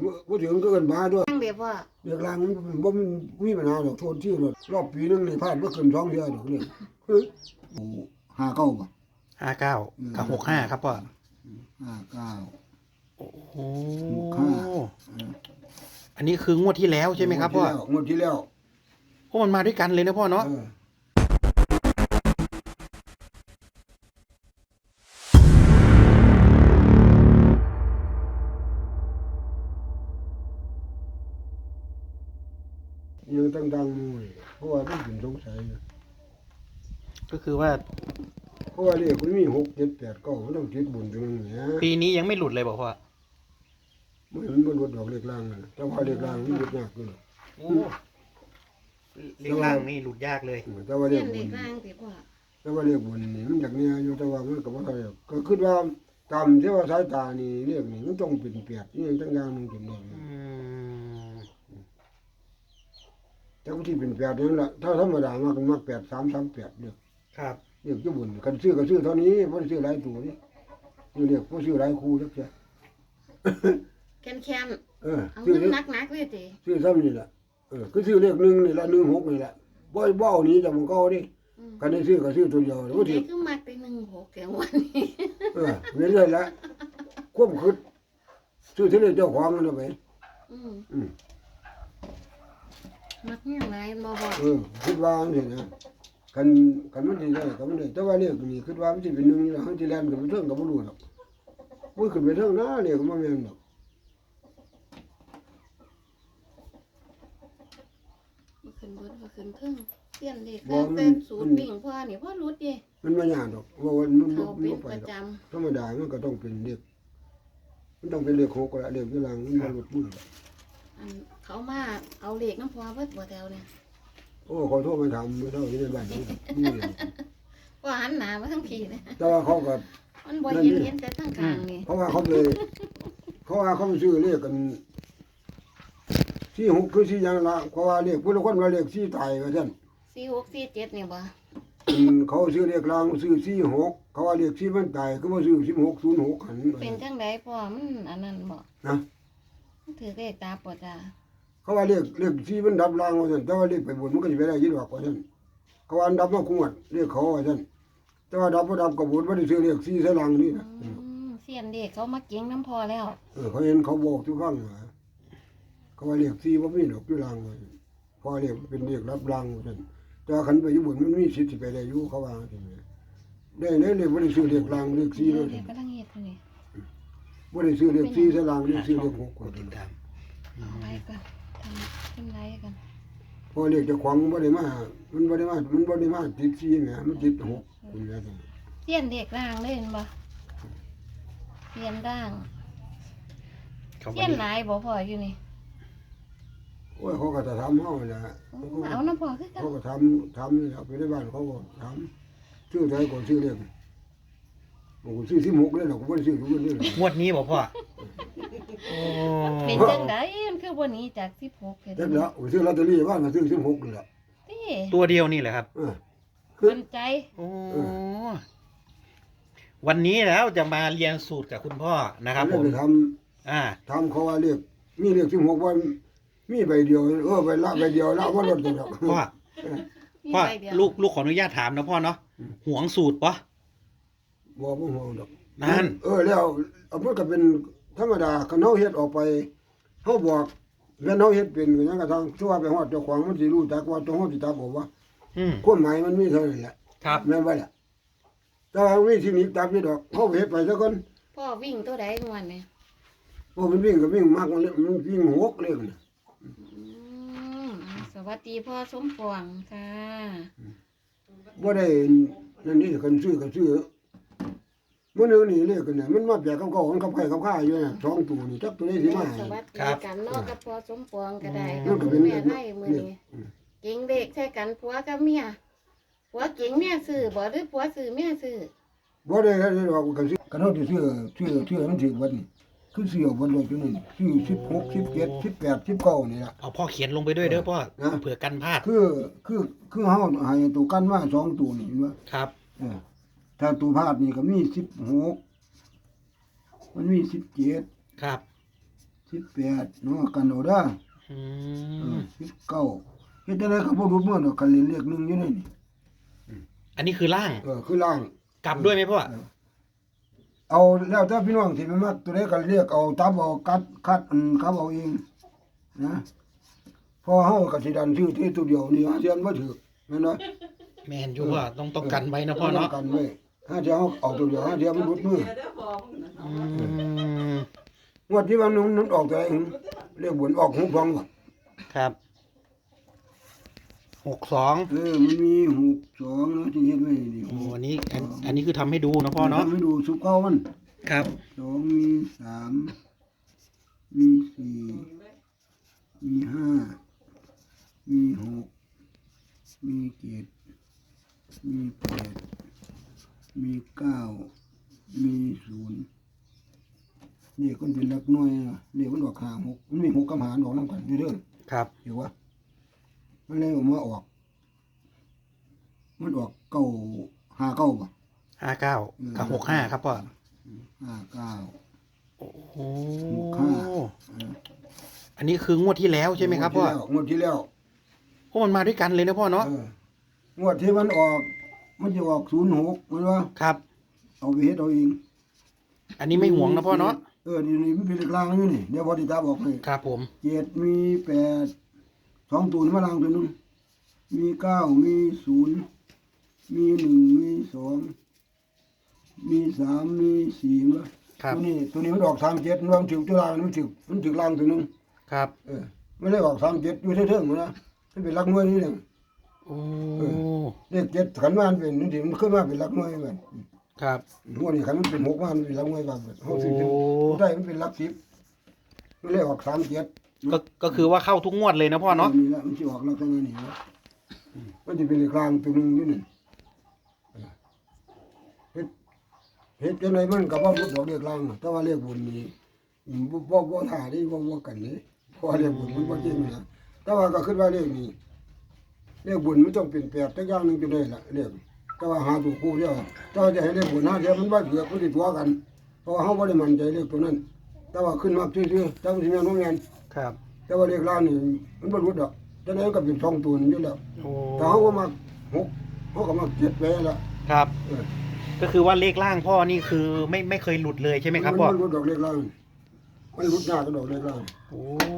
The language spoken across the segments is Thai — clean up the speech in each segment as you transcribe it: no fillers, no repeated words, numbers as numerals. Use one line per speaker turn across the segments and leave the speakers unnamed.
บ่ถึงก็เกินมาด้วย
ตั้งเดี๋ยวพ่อ
เรียกลางมันบ่มีปัญหาดอกโทษที่รอบปีนึงนี่พลาดบ่เกิน2เทื่อดอกนี่59บ่
59กับ65ครับพ่อ
59
โอ้โหอันนี้คืองวดที่แล้วใช่ไหมครับพ่อง
วดที่แล้ว
เพราะมันมาด้วยกันเลยนะพ่อเนาะ
ยังตั้งๆมู่เพราะว่ามันเป็นสงสัย
ก็คือว่า
เพราะว่าเลขมันมี6 7 8 9มันต้องติดบุญตรงนั้นเนี่ย
ปีนี้ยังไม่หลุดเลยบอกพ่อ
มันบ่หลุดดอกเลขล่างน่ะแต่ว่าเลขล่างมันหลุดยากอยู่
โอ้เลขล่างนี่หลุดยากเลย
แต่ว่าเลข
บุญล่างสิพ่อ
แต่ว่าเลขบุญนี่มันจากเนี่ยอยู่แต่ว่ามันก็บ่ได้ก็คิดว่าตามที่ว่าสายตานี่เลขนี่มันต้องเป็น8นี่จังอย่างนึงเป็นเลขแต่ที่เป็น8นั่นล่ะถ้าธรรมดามาก8 3 3 8เด้อ
ครับ
เรียกอยู่บุญกันซื้อก็ซื้อเท่านี้บ่ได้ซื้อหลายตัวนี่เรียกบ่ซื้อหลายคู่จักแค่
แค้นเอา
ซื้อ
เงินนักๆเลยติ
ซื้อซ้ำนี่ล่ะคือซื้อเลข1นี่ล่ะ16นี่ล่ะบ่เอานี้จากมันเก่าดิกันได้ซื้อก็ซื้อตัวเดียวบ่
สิ
สิ
คือมักไป16แถววันนี้
เว้นเลยละความคิดซื้อที่เจ้าของนั่นไป
มักยังไงบ่บ่
คิดว่าจังซี่นะกันมันสิได้ก็มันได้แต่ว่าเลขนี่คิดว่ามันสิเป็น1นี่ล่ะเฮาสิแล่นขึ้นไปเทิงก็บ่รู้ดอกบ่ขึ้นไปเทิงนะเลขมันบ่แม่นดอก
ขึ้นบนก็ขึ้นเทิงเสี้ยนเลขแต่สูตรวิ่งพ่อนี่พ่อรุดดิ
มันบ่ยากดอกว่ามันบ่ไปดอกธรรมดามันก็ต้องเป็นเลขมันต้องเป็นเลข6ก็เลขอยู่ล่างมันบ่หลุดมือ
เขามาเอาเลขน้ำพ่อเบิดบ่แถวเนี่ย
โอ้ขอโทษมาถามไม่เท่าที่ในบ้านนี่
ว่าหันหน้ามาทั้งพี่นะ
แต่ว่าเขาก็
มันบ่เห็นแต่ทั้งข้างนี่
เพราะว่าเขาไปซื้อเลขกัน46คือ4อย่างละเพราะว่าเลขผู้ละคนว่าเลข4ตายว่าซั่น
46 47นี่บ่
เขาซื้อเลขกลางซื้อ46เขาว่าเลข4มันตายคือบ่ซื้อ1606หัน
เป็นจังได๋พ่อมันอันนั้นบ่
นะ
มันถือเลขตาบ่จ้า
เขาว่าเลข4มันดับล่างว่าซั่นแต่ว่าเลขไปบนมันก็สิไปได้อยู่ดอกว่าซั่นเขาว่าดับมาคุดเลขเขาว่าซั่นแต่ว่าดับบ่ดับก็บ่ได้ซื้อเลข4ใส่ล่างนี่นะ
เสียนเลขเขามาเก่งน้ำพอแล้ว
เขาเห็นเขาบอกทุกครั้งเขาว่าเลข4บ่มีดอกอยู่ล่างว่าพอเลขเป็นเลขรับล่างว่าซั่นแต่คันไปอยู่บนมันมีสิทธิ์สิไปได้อยู่เขาว่าจังซี่ได้เลยบ่ได้ซื้อเลขล่างเลข4เลย
เลขกำลังเฮ็ดคั่นนี่
บ่ได้ซื้อเลข4ใส่ล่างเลข4เลข6กว่าติดตาม
เอาไว้ก่อนทำเป็นไรกัน
พอเลขเจ้าของมันบ่ได้มาติด4แหมมันติด6คุณแม่จัง
เสียนเลขล่างเลยเห็นบ่เสียนล่างเสียนหลายบ่พออยู่นี่
โอ้ยเขาก็จะทำเฮาแหละ
เอาน้ำพอคือกัน
เขาก็ทำนี่ไปในบ้านเขาก็ทำชื่อไทยก็ชื่อเรียกผมชื่อ16เลยหรอกผมบ่ได้ชื่อทุกคนเลย
งวดนี้บ่พ่อ
เป็นจังได๋มันคือบ่หนีจาก16เฮ็ด
จังแล้วชื่อลอตเตอรี่บ้านก็ชื่อ16นี่แหละ
ตัวเดียวนี่แหละครับ
มั่นใจ
โอ้วันนี้แล้วจะมาเรียนสูตรกับคุณพ่อนะครับผม
ทำเขาว่าเรียกมีเรียก16วันมีใบเดียวใบเดียวแล้วว่าลดจังดอก
พ่อลูกขออนุญาตถามนะพ่อเนาะหวงสูตรปะ
บ่ห่วงดอก
นั่น
แล้วเอามันก็เป็นธรรมดาคันเฮาเฮ็ดออกไปเฮาบอกแล้วเฮาเฮ็ดเป็นก็ยังกระทั่งชั่วไปฮอดเจ้าของมันสิรู้จักว่าตัวเฮาสิตักบ่ว่าความหมายมันมีเท่านั้นแหละ
ครับ
แม่นบ่ล่ะแต่ว่าวิธีนี้ตักนี่ดอกเฮาเฮ็ดไปซะก่อน
พ่อวิ่งตัวใดม่วนนี่
มันวิ่งก็วิ่งมากมันวิ่ง6เลยน่ะ
สวัสดีพ่อสมปองค่ะ
บ่ได้นั่นนี่คันซื้อก็ซื้อมื้อนึงนี่เลขกันน่ะมันมาแปลกกับเก่ามันกับไผกับข้าอยู่น่ะ2ตัวนี่จักตัวใดสิมา
สวัสดีกันเนาะกับพ่อสมปองก็ได้แม่ไทยมื้อนี้เก่งเลขใช้กันผัวกับเมียผัวเก่งเมียซื้อบ่หรือผัวซื้อเมียซื้อ
บ่ได้ดอกก็ซื้อกันเฮาสิซื้อมันถึกวันคือเสี่ยวบนรถอยู่นี่ชื่อ16 17 18 19นี่ล่ะ
เอาพ่อเขียนลงไปด้วยเด้อพ่อเผื่อกันพลาด
คือเฮาให้ตัวกันมา2ตัวนี่เห็นบ่
ครับ
ถ้าตัวพลาดนี่ก็มี16มันมี17
ครับ
18เนาะกันเอาเด้อ
อื
19เฮ็ดจังได๋ก็บ่รู้เมื่อดอกกันเรียนเลขหนึงอยู่ในนี่
อันนี้คือล่าง
คือล่าง
กลับด้วยไหมพ่อ
เอาแล้วถ้าพี่น้องที่มันมักตัวใดก็เรียกเอาตับเอาคัดครับเอาเองนะพอเฮาก็สิดันชื่อที่ตัวเดียวนี่หาเสียนบ่ถูกแม่นบ่
แมนอยู่ว่าต้องกันไว้นะพ่อเนาะ
กันไว้หาเสียเฮาเอาตัวเดียวหาเสียมันหลุดมือ
อืม
งวดที่ว่ามันออกตัวไหนเรียกบนออก6 2บ่
ครับ62
มันมี6 2นะที่เฮ็ดไว้นี่
โอ้อันนี้คือทำให้ดูนะพ่อเนาะ
ทำให้ดูสุกเก่ามัน
ครับ
2มี3มี4มี5มี6มี7มี8มี9มี0นี่คนเป็นหลักหน่วยนะนี่มันออก5 6มันมี6กับหารออกนำกันเด้อ
ครับ
เห็นว่ามันเลยออกมาออกมันออก9 5 9บ่
59กับ65ครับพ่อ
5 9
โอ้โห
65
อันนี้คืองวดที่แล้วใช่ไหมครับพ่อง
วดที่แล้ว
โอ้มันมาด้วยกันเลยนะพ่อเนาะ
งวดที่มันออกมันจะออก06มันว่า
ครับ
เอาไปเฮ็ดเอาเอง
อันนี้ไม่ห่วงนะพ่อเนาะ
นี่มันเป็นเลขล่างอยู่นี่เดี๋ยวพอที่ตาบอกให้
ครับผม
7มี8 2ตัวนี่มาล่างตัวนึงมี9มี0มี1มี2มี3มี4มั้ย
ครับ
ตัวนี้มันออก37มันถึงตัวล่างมันถึงล่างตัวนึง
ครับ
ไม่ได้ออก37อยู่เทิงๆนะมันเป็นหลักหน่วยนี่แหละ
โอ้
เลข7ขันมาเป็นนี่สิมันขึ้นมาเป็นหลักหน่วยเหมือน
ครับ
หัวนี่ขันมันเป็น6มามันเป็นหลักหน่วยบางเฮาสิ
โอ้
ได้มันเป็นหลัก10มันเลยออก37
ก็คือว่าเข้าทุกงวดเลยนะพ่อเนาะ
นี่แหละมันสิออกลักษณะนี้นะมันสิเป็นเลขกลางตัวนึงนี่นี่เฮ็ดจังไดมันก็บ่รู้ดอกเลขกลางแต่ว่าเลขบุญนี่บ่ท่านี่บ่กันนี่เพราะเลขบุญมันบ่จริงนะแต่ว่าก็คิดว่าเลขนี้เลขบุญมันต้องเป็น8จักอย่างนึงจะได้ล่ะเลขแต่ว่าหาถูกคู่เดียวแต่ว่าจะให้เลขบุญหาเดียวมันบ่เถือกมันสิตัวกันเพราะว่าเฮาบ่ได้มั่นใจเลขตัวนั้น แต่ว่าขึ้นมาซื่อๆแต่มันสิแม่นบ่แม่น
ครับ
แต่ว่าเลขล่างนี่มันบ่รู้ดอกจังได๋ก็เป็น2ตัวนี่อยู่แล้ว
โอ้
แต่เฮาก็มา6เฮาก็มา7ไปแล้ว
ครับ
เออ
ก็คือว่าเลขล่างพ่อนี่คือไม่เคยหลุดเลยใช่ไหมครับพ่อ
มันรู้ดอกเลขล่างมันรู้ยากกับดอกเลขล่าง
โอ้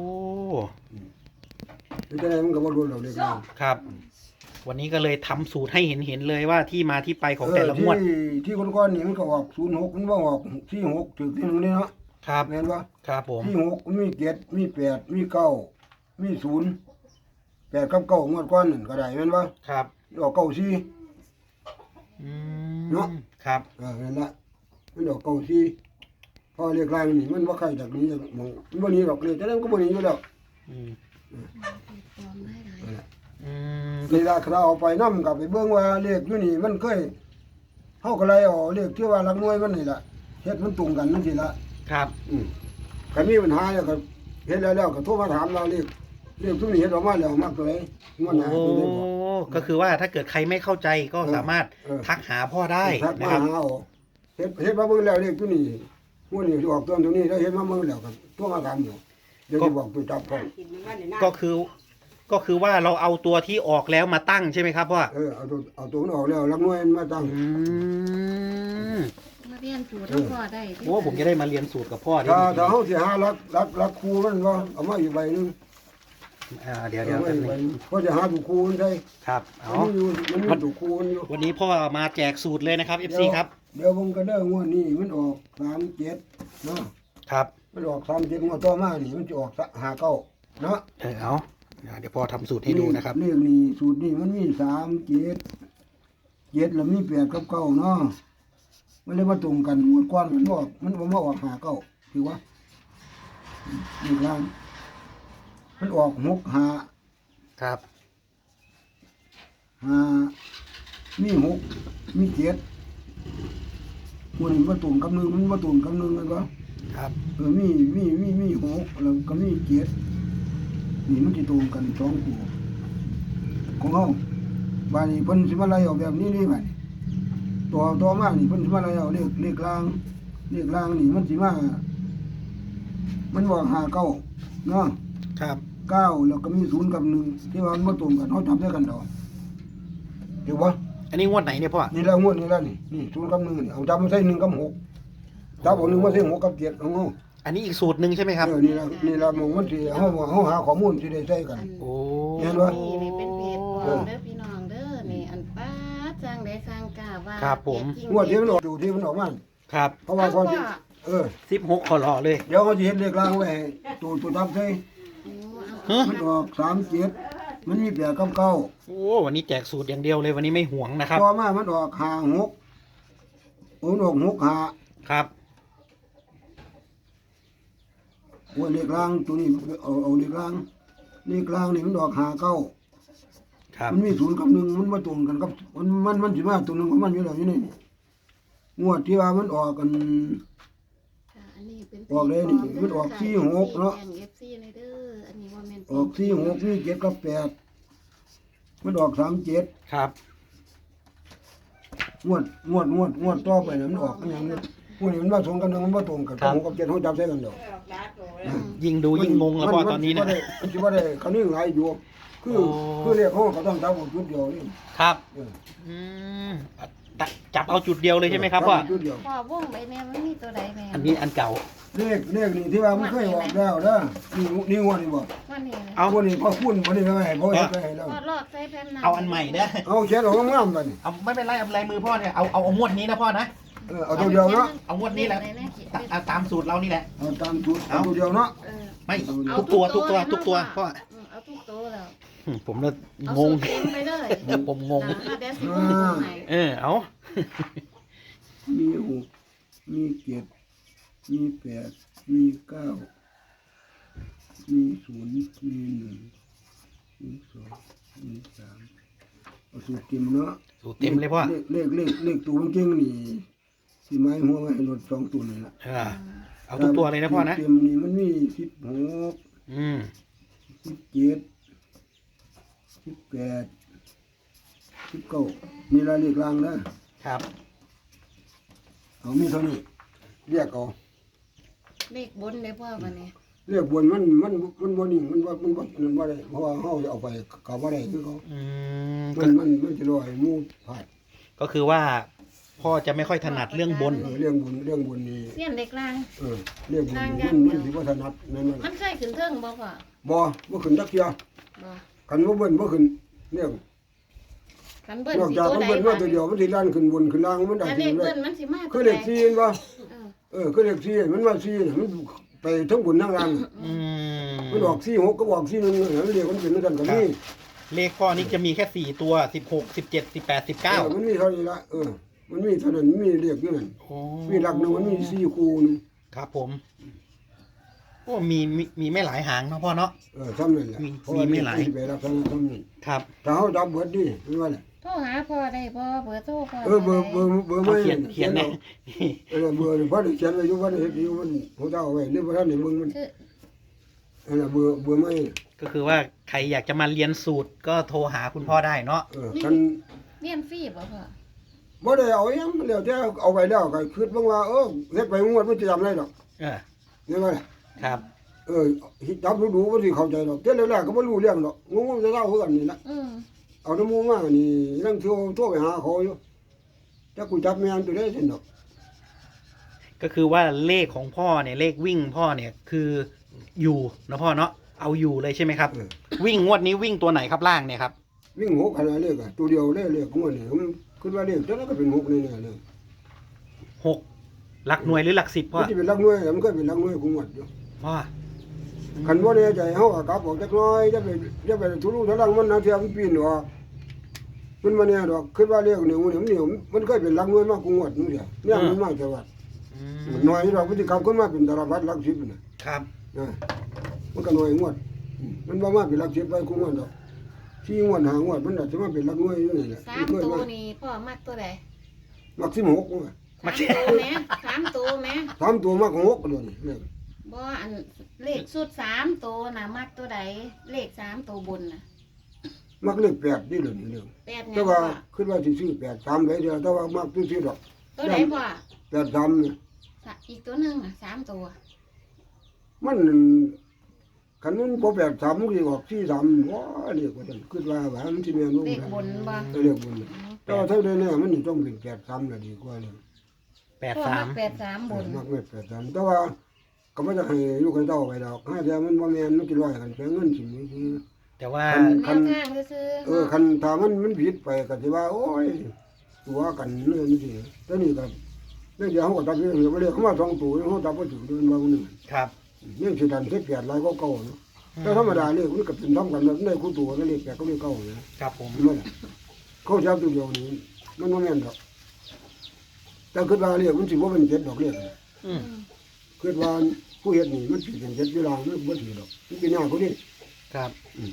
จังได๋มันก็บ่รู้ดอกเลขล่าง
ครับ วันนี้ก็เลยทำสูตรให้เห็นเลยว่าที่มาที่ไปของแต่ละงวด
ที่ก่อนๆนี่มันก็ออก06มันบ่ออก46ถึงที่นึงนี่เนาะ
ครับ
แม่นบ่
ครับผม
ที่6มันมี7มี8มี9มี0 8กับ9งวดก่อนนั่นก็ได้แม่นบ่
ครับ
ออก94
อื
เนาะ
มครับ
นั่นล่ะมันออก94พอเลขล่างนี่มันบ่ใครจากนี้จากหม้องมันบ่หนีดอกเลขจังได๋มันก็บ่หนีอยู่แล้ว
อืม
ปลอมได้หลาย
อืม
นี่ล่ะเราเอาไปนำกับไปเบิ่งว่าเลขอยู่นี่มันเคยเฮาก็เลยเอาเลขที่ว่าหลักหน่วยมันนี่ล่ะเฮ็ดมันตรงกันจังซี่ล่ะ
ครับ
คันมีปัญหาแล้วก็เฮ็ดแล้วก็โทรมาถามเราเลขทุกนี้เฮ็ดออกมาแล้วมักตัวไหนงวดหน้า
โอ้
สิได้บอก
ก็คือว่าถ้าเกิดใครไม่เข้าใจก็สามารถ
เออ
ทักหาพ่อได้
ทัก
นะ
มา
ครับ
หาเอาเฮ็ดมาเบิ่งแล้วเลขตัวนี้งวดนี้สิออกตัวนี้แล้วเฮ็ดมาเบิ่งแล้วก็โทรมาถามอยู่เดี๋ยวสิบอกตัวจับก่อน
ก็คือว่าเราเอาตัวที่ออกแล้วมาตั้งใช่ไหมครับพ่อ
เอาตัวมันออกแล้วหลักหน่วยมันมาตั้ง
อืม
มาเรียนสูตรทั้งพ่อได้
โอ้ผมจะได้มาเรียนสูตรกับพ่อได้
ถ้าเฮาสิหาหลักครูมันก็เอามาอีกใบหนึง
เดี๋ยว
เอามา
แป๊บ
อีก
นึ
ใบ
ง
หนึงเพราะจะหาถูกครูมันได้
ครับเอา
มันมีถูกครูมันอยู่
วันนี้พ่อมาแจกสูตรเลยนะครับ FC ครับ
เดี๋ยวผมก็ได้งวดนี้มันออก37เนาะ
ครับ
มันออก37งวดต่อมานี่มันจะออก59เนาะ
เอาเดี๋ยวพ่อทำสูตรให้ดูนะครับ
เลขนี้สูตรนี้มันมี7แล้วมี8กับ9เนาะมันเลยมาตรงกันงวดก่อนมันบ่มาออก59ถือว่านี่ครับมันออก65
ครับ
มี6มี7มันมาตรงกับ1มันมาตรงกับ1กันบ่
ครับ
มี6แล้วก็มี7นี่มันสิตรงกัน2คู่ของเฮาบาดนี้เพิ่นสิมาไล่ออกแบบนี้นี่บัดนี้ต่อมานี่เพิ่นสิมาไล่เอาเลขล่างนี่มันสิมามันบอกหาเก้าเนาะ
ครับ
เก้าแล้วก็มีศูนย์กับหนึ่งที่ว่ามันบ่ตรงกันเขาจับได้กันดอกถูกปะ
อันนี้งวดไหนเนี่ยพ่อ
นี่แล้วงวดนี้แล้วนี่ศูนย์กับหนึ่งนี่เอาจับมาใส่หนึ่งกับหกจับเอาหนึ่งมาใส่หกกับเจ็ดเอาเงา
อันนี้อีกสูตรหนึ่งใช่ไหมครับ
นี่ละมองมันสิเขาหาข้อมูลที่ได้ใส่กัน
โอ้
เห็นปะ
นี่เป็นเพจปลอมเด้อพี่น้องเด้อนี่อันป้าสร้างได้สร้างกล้าว่า
ครับผม
เพจจริ
งวดที่มันออกดูที่มันออกมา
ครับ
เพราะว่าพอที่
16ขอรอเลย
เดี๋ยวเขาจะเห็นเลขล่างไว้ให้ตัวจับใส่
ฮะ
มันออก37มันมีแปดกับเก้า
โอ้วันนี้แจกสูตรอย่างเดียวเลยวันนี้ไม่ห่วงนะครับ
พอมามันออกห้าหกมันออกหกห้า
ครับ
ว่าเลขล่างตัวนี้เอาเลขล่างนี่มันออกห้าเก้า
ครับ
มันมีศูนย์กับหนึ่งมันมาตรงกันกับมันสิมาตัวหนึงของมันอยู่แล้วอยู่นี่งวดที่ว่ามันออกกัน
ค่ะอันนี้เป็น
ออกเลยนี่มันออก46เนาะ
แบ่ง FC เลยเด้ออันนี้ว่าแม่น
ออก46นี่7กับ8มันออก37
ครับ
งวดต่อไปเนี่ยมันออกอหย่างนี้พวกนี้มันมาตรงกันมันบ่ตรงกันกับ6กับ7เฮาจับใส่กันดอก
ยิ่งดูยิ่งงงแล้วพ่อตอนนี้นะ
มันสิบ่ได้คันนี้หลายอยู่คือ
โอ้
คือเรียกเขาก็ต้องจับเอาจุดเดียวนี่
ครับ
เออ
อืมจับเอาจุดเดียวเลยใช่ไหมครับพ่อ
จัจุดเดียว
พ่อวงไปเนี่ยมันมีตัวใดแม่
อันนี้อันเก่า
เลขนี่ที่ว่ามันเคยออกแล้วเด้อนี่งวดนี่บ่
ว่านี่นะ
เอา
พวกนี้พอคุ้นบ่ได้ให้บ่เฮ็ดให้แล้ว
พ่อลอกใส่แผ่นหนา
เอาอันใหม่เด้อ
เอาเขียนออกงามๆบัดนี้
เอาไม่เป็นไรเอาลายมือพ่อเนี่ยเอางวดนี้นะพ่อนะ
เอาตัวเดียวเนาะ
เอางวดนี้แหละเอาตามสูตรเรานี่แหละ
เอาตามจุดเอาตัวเดียวเนาะ
เออ
ไม่
เอา
ทุกตัว
ทุ
ทุ
ก
ก
ตั
ตัว วพ่อ
เอาทุกตัวแล้ว
ผมเลย
เอา
ง
สู
ง
ตรเต็มไปเลย
ผมงง
ถ้าเดซิวงไหน
เอา
มีหกมีเจ็ดมีแปดมีเก้ามีศูนย์มีหนึ่งมีสองมีสามเอาสูตรเต็มเนาะ
สูตรเต็มเลยพ่อ
เลขตัวมันเก่งนี่สิไม้หัวไว้ให้รถสองตัวนี่ล่ะ
เอาทุกตัวเลยนะพ่อนะ
เต็มนี่มันมี16
อืม
17 18 19นี่ละเลขล่างนะครับ เอามีเท่านี้เรียกเอา
เลขบนเลยพ่อวันนี้
เรียกบนมันบ่นิ่งมันบ่ได้เพราะว่าเฮาเอาไปก็บ่ได้คือเขา
อืม
มันจะลอยหมู่พลาด
ก็คือว่าพ่อจะไม่ค่อยถนัดเรื่องบน
เรื่องบุญนี่
เสี้ยนเล็กล่าง
เรื่องบุญนี่มันสิบ่ถนัดนั่น
มันเคยขึ้นเทิงบ่พ่อ
บ่ขึ้นจักเที่ย
บ่
คันบ่เบิ่นบ่ขึ้นเรื่อง
คันเบิ้ล
นอก
สิ
จาก
ตัว
มัน
ใด
เบิ่น
บ่
ว่าตัวเดียวมันสิลั่นขึ้นบนขึ้นล่างมันได้
แต่
จ
เล
ริ
ข
งเล
เบิ้
ย
ลมันสิมา
คือเลข4เห็นบ่
เออ
คือเลข4มันว่า4น่ะมันไปทั้งบนทั้งล่าง
อืม
มันออก4 6ก็ออก4 1มันเรียกมันเป็นกันก็มี
เลขพ่อนี่จะมีแค่4 ตัว16 17 18 19
มันมีเท่านี้ละมันมีเท่านั้นมีเรียกอยู่นั่น
โอ้
มีหลักหนึงมันมี4คู่นึง
ครับผมโอ้มีไม่หลายหางเนาะพ่อเนาะ
ซ้ำนั่นแหละ
มีไม่หลาย
ไปรับซ้ำนี่
ครับ
ถ้าเฮาจับเบิดดิมันว่าแหละ
โทรหาพ่อได้บ่เบอร์โทรพ่อ
เบอร์
เอา
ไม่
เขียนแน่
เบอร์นี่พอได้เขียนไว้อยู่ว่าเฮ็ดอยู่มันฮู้เจ้าไว้หรือว่าท่านได้เบิ่งมัน
คือ
เบอร์ไม่
ก็คือว่าใครอยากจะมาเรียนสูตรก็โทรหาคุณพ่อได้เนาะ
คัน
เรียนฟรีบ่พ่อ
บ่ได้เอาหยังแล้วแต่เอาไปแล้วก็คิดเบิ่งว่าเฮ็ดไปงวดมันจะจำได้ดอก
เออ
เห็นบ่ล่ะ
ครับ
จับดูบ่สิเข้าใจดอกแต่แรกๆก็บ่รู้เรื่องดอกงงๆจะเล่าคือกันนี่ล่ะ
อืม
เอาน้ำมูมานี่นั่งโทรไปหาเขาอยู่จักกูจับแม่นตัวได้ซั่นดอก
ก็คือว่าเลขของพ่อเนี่ยเลขวิ่งพ่อเนี่ยคืออยู่นะพ่อเนาะเอาอยู่เลยใช่ไหมครับ วิ่งงวดนี้วิ่งตัวไหนครับล่างเนี่ยครับ
วิ่งหกขนาดเลขตัวเดียวเลขงวดนี่มันคิดว่าเลขตัวนั้นก็เป็นหกแน่ๆเลย
6 หลักหน่วยหรือหลักสิบพ่อ
มันสิเป็นหลักหน่วยมันก็เป็นหลักหน่วยของงวดอยู่
พ่อ
คันบ่แน่ใจเฮาก็กลับออกจักหน่อยจะไปทุลุทุลังมันนะเที่ยมันปีนออกมันบ่แน่ดอกคิดว่าเลขนี่มันเคยเป็นหลักหน่วยมากกว่างวดนึงเดียวเนี่ยมันมาจังหวัด
อืม
น้อยดอกมันสิกลับขึ้นมาเป็นตารพัดหลัก10น่ะ
ครับ
มันก็น้อยงวดมันบ่มาเป็นหลัก10ไปกว่างวดดอกที่งวดหางวดมันน่ะสิมาเป็นหลักหน่วยอยู่นี่แหละ
สามตัวนี่พ่อมักตัวใด
มัก16ว่ะ
สามตัวแม่สามตัวแม่
3ตัวมัก6เลยนี่เลข
บ่อันเลขสุด3ตัวน่ะมักตัวใดเลข3ตัวบนน่ะ
มักเลข8นี่เลยนี่เรื่อง
แปดไง
แต่
พ่
ว่า
อ
คิดว่าสิซื้อ83ได้เดียวแต่ว่ามักซื้อดอก
ตัวใดพ่อ
83นี่
อีกตัวหนึงน่ะ3ตัว
มันคันมันบ่83มันสิออก43ว้าเรียกว่าจังคิดว่ามันสิแม่นบ่
เลขบนบ่
เรียกบนแต่ว่าถ้าได้แน่มันนี่ต้องเป็น83น่ะดีกว่าเลย
พ่อมัก
83
83บน
มักเม็ด83แต่ว่าก็บ่จะให้ลูกให้เต้าไปดอกถ้าเดี๋ยวมันบ่แม่นมันสิร้อยกันแปลงเงินสิมีคือ
แต่ว่า
แนวทางซื่อๆ
คันถ้ามันผิดไปก็สิว่าโอ้ยตัวกันเรื่องนี้สิแต่นี่ก็เดี๋ยวเขาก็ตัดเรื่องไปเลยเขามา2ตัวเขาตัดบ่ถึงเดือนว่านึง
ครับ
ยังสิดัน18หลายก็เก่าเนาะแต่ธรรมดาเลยมันก็เป็นทำกันแบบได้คู่ตัวก็เลข8ก็เลข9นะครับ
ผม
มันเขาจับตัวเดียวนี้มันบ่แม่นดอกแต่คิดว่าเลขมันสิบ่เป็น7ดอกเลข
อืม
คิดว่าผู้เฮ็ดนี่มันสิเป็น7เวลามันบ่ถือดอกมันเป็นหน้าเขาดิ
ครับ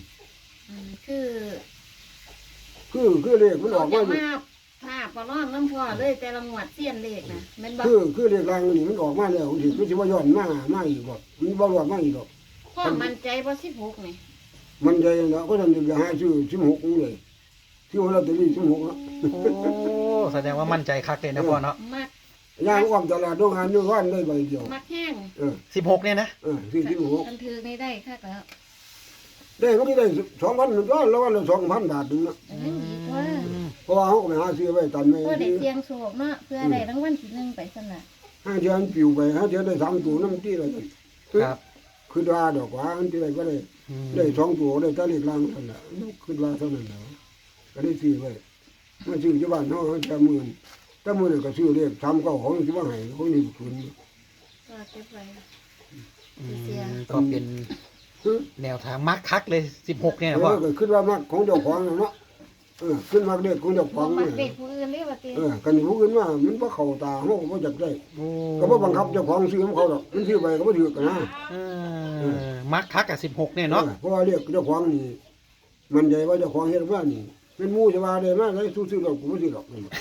คือ
เลขมันออกมา
ภาพบ่ร้อนน้ำพ่อเลยแต่ละงวดเสี้ยนเลขนะแม่นบ่
คือเลขรางนี่มันออกมาแล้วสิมันสิว่าย้อนมาอีกบ่มันบ่รอดมาอีกดอก
พ่อมั่นใจบ่16นี่
มันใจแล้วก็ทำจะหาชื่อ16เลยชื่อว่าลอตเตอรี่16เนาะ
โอ้แสดงว่ามั่นใจคักเลยนะพ่อเนาะ
มัก
ย่างอ้อมตลาดโรงงานอยู่วันได้ใบเดียว
มักแห้ง
16เนี่ยนะ
ชื่อ16
กันถือนี่ได้คักแล้ว
ได้มันได้2,000นึงก็แล้ววันละ2,000 บาทนึงเนาะ
ดีกว่า
เพราะว่าเฮาก็ไปหาซื้อไว้ตันไม่
เพื่อได้เสียงโชคเนาะเพื่อได้รางวัลที่1ไปซั่นน่ะ
ห้าเดือนปิวไปห้าเดือนได้3ตัวนำที่ละจัง
ครับ
คือว่าดอกว่าอันที่ได้ก็ได้
อืม
ได้2ตัวได้ตะเลขล่างนั่นน่ะคือว่าเท่านั้นแล้วก็ได้ซื้อไว้มาซื้อที่บ้านเฮาแค่หมื่นแต่มื้อนี้ก็ซื้อเลข3 9ของสิว่าให้ของนี่คืน
ก็เก็บไว้
อื
เสีย
มก็เป็นแนวทางมักคักเลย16เนี่ยนะพ่อ
ก็คิดว่ามักของเจ้าของเนาะขึ้นมักเลขของเจ้าข
บ่
อง
มั
นี่
กเด็กผู้อื่นเลยว่าติ
กันผู้อื่นว่ามันบ่เข้าตาเฮาก็บ่จักได้
โอ้
ก็บ่บังคับเจ้าของซื้อของเขาดอกมันซื้อไปก็บ่ถือกันนะ
มักคักกับ16เนี่ยเนาะ
เพราะว่าเลขเจ้าของนี่มันใจว่าเจ้าของเฮ็ดว่านี่เป็นหมู่จะว่าได้มาได้ซื้อดอกกูบ่ซื้อดอกนี่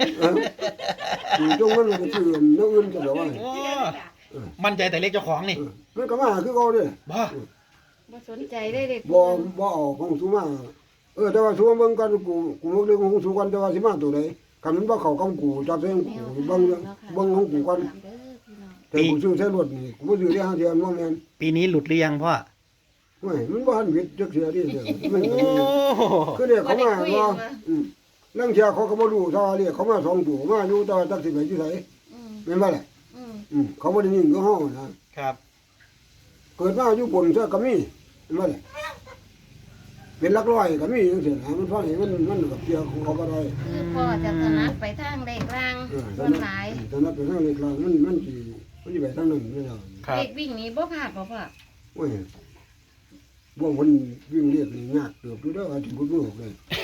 จงมันก็ซื้อเนื้ออื่นจะดอกว่า
โอ้มั่นใจแต่เลขเจ้าของนี่
มันก็มาคือเก่าเด้
บ่
บ่สนใจได้เด็ก
บ่เอาของสูมาแต่ว่าสูมาเบิ่งกันกูเรื่องของสูกันแต่ว่าสิมาตัวใดคันมันบ่เข้ากับกูจับเส้นกูเบิ่งของกูก่อนแต่กูซื้อใช้รถนี่กูบ่ซื้อได้5เดือนบ่แม่น
ปีนี้หลุดหรือยังพ่อ
โอ้ยมันบ่ทันผิดจักเทื่อดิเด้อมัน
โอ้
คือเรียกเขามาว่าลังเทื่อเขาก็บ่รู้ถ้าเรียกเขามา2ตัวมาอยู่แต่ว่าจักสิไปอยู่ไสแม่นบ่ล่ะเขาบ่ได้ยินคือเฮานะครับ เกิดมาอยู่บนซะก็มีแม่นบ่ล่ะเป็นหลักร้อยก็มีจังซี่นะมันฟังให้มันกับเกี่ยวของเขาบ่ได้
คือพ่อจะถนัดไปทางเลขล่างส่วนหลาย
ตอนนั้นไปทางเล็กลางมันสิไปทางนั้นไม่ได้
ครับ
เลขวิ่งนี้บ่พลาดบ่พ่อ
โอ้ยบ่คนวิ่งเรียกนี่ยากเติบอยู่เด้ออาจสิบ่รู้เลย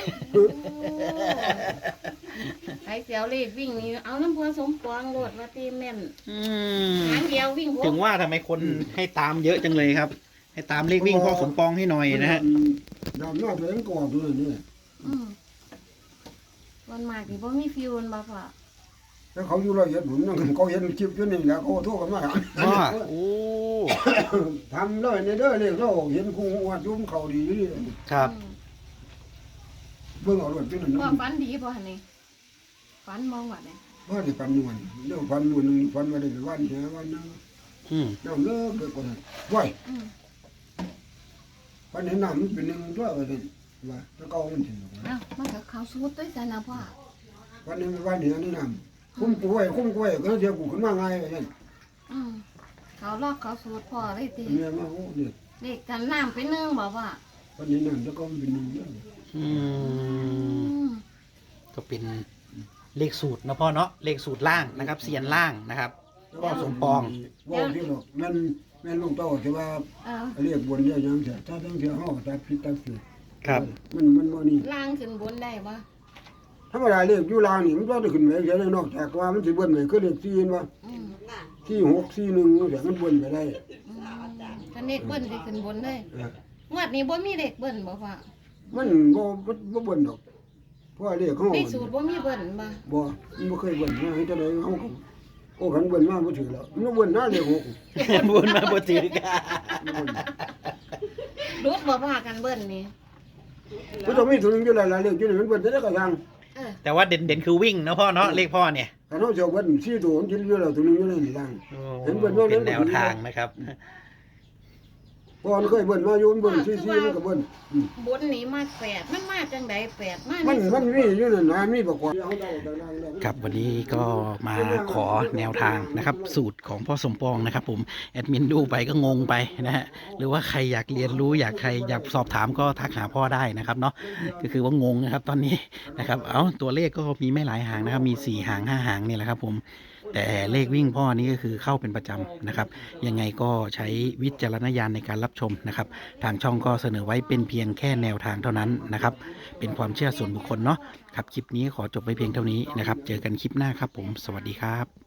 ไอ้เสียวเลขวิ่งนี้เอาน้ำพ่อสมปองโลดว่าตีแม่น
อืม
หางเดียววิ่ง
ถึงว่าทำไมคนให้ตามเยอะจังเลยครับ ให้ตามเลขวิ่งพ่อสมปองให้หน่อยนะฮะ
ดำหน้าตัวเองก่อนตัวนี้
วันมากที่บ่มีฟิวบ่พ่อ
แล้วเขาอยู่ละเอียดบุญนั่นเขาเห็นคลิปอยู่นี่แหละเขาโทรกันมา
ว่าโอ้
ทำเลยในเด้อเรียกเราเห็นคงวัดยุ่มเขาดีอยู่นี่
ครับ
เบิ่งเอารถอยู่นั่น
พ่อ
นะ
ฝันดีบ่หั่นนี่ฝันมองว่าเนี่ย
ว่าได้ปันนวลเรื่องปันมื้อนึงปันว่าได้ไปวันแค่วันนึง
อืม
น้ำเลิกเกิดก่อนว้ยปันเห็นน้ำมันเป็นหนึ่งตัวว่าซั่นว่าถ้าเก่ามันถึง
เอ้ามันก็เข้าสูตรด้วยซั่นนะพ่อ
วันนี้วันนี้นี่น้ำคุ้มกล้วยก็เดี๋ยวกูขึ้นมาง่ายว่าซั่น
เขาลอกเขาสูตรพ่อเลยติ
เนี่ยมาโอ้เนี่ย
เลขกันน้ำเป็น1บ่พ่อ
วันนี้น้ำถ้าเก่ามันเป็นหนึ่งเด้อ
อืมก็เป็นเลขสูตรนะพ่อเนาะเลขสูตรล่างนะครับเสียนล่างนะครับ พ่อสมปอง
ว่าที่หรอกแม่นลูกเต้าที่ว่า
เออ
เรียกบนเรียกหยังเสียถ้าทั้งเสียห้อตัดผิดตัดผิด
ครับ
มันบ่นี่
ล่างขึ้นบนได้บ่
ธรรมดาเรียกอยู่ลางนี่มันก็ได้ขึ้นไปเสียนอกจากว่ามันสิเบิ่นไปคือเรียก4ว่า
อืม
4 6 4 1จังซี่มันเบิ่นไปได้
ถ้าเลขเบิ้นสิขึ้นบนเลย
เออง
วดนี้บ่มีเลขเบิ้นบ่พ่อ
มันบ่เบิ่นดอกเพราะว่าเรียกเขา
เลขสูตรบ่มีเบิ้นบ่
บ่มันบ่เคยเบิ่นมาให้จังได๋เฮาก็โอ้คันเบิ่นมาบ่ถือแล้วมันเบิ่นหน้าเรียก6
บุญมาบ่ถือกัน
รุดบ่พากันเบิ้นนี่
มันต้องมีตัวนึงอยู่หลายๆเรียกอยู่นี่มันเบิ่นได้ก็ยัง
เออ
แต่ว่าเด่นคือวิ่งนะพ่อเนาะเลขพ่อเนี่ย
คันเฮาสิเอาเบิ่น4ตัวมันสิอยู่แล้วตัวนึงอยู่ในนี่ล่าง
โอ้
เห็นเบิ่นว่า
เป็นแนวทางนะครับ
พอมันเคยเบิ่นมาอยู่มันเบิ่นซี่ๆมันก็เบิ่น
บนนี้มาแปดมันมาจังใดแปดมา
มัน
ใน
มันมีอยู่นั่นนะมีบอกว่า
ครับวันนี้ก็มาขอแนวทางนะครับ สูตรของพ่อสมปองนะครับผมแอดมินดูไปก็งงไปนะฮะหรือว่าใครอยากเรียนรู้ใครอยากสอบถามก็ทักหาพ่อได้นะครับเนาะก็คือว่างงนะครับตอนนี้นะครับตัวเลขก็มีไม่หลายหางนะครับมี4 หาง 5 หางนี่แหละครับผมแต่เลขวิ่งพ่อนี้ก็คือเข้าเป็นประจำนะครับยังไงก็ใช้วิจารณญาณในการรับชมนะครับทางช่องก็เสนอไว้เป็นเพียงแค่แนวทางเท่านั้นนะครับเป็นความเชื่อส่วนบุคคลเนาะครับคลิปนี้ขอจบไว้เพียงเท่านี้นะครับเจอกันคลิปหน้าครับผมสวัสดีครับ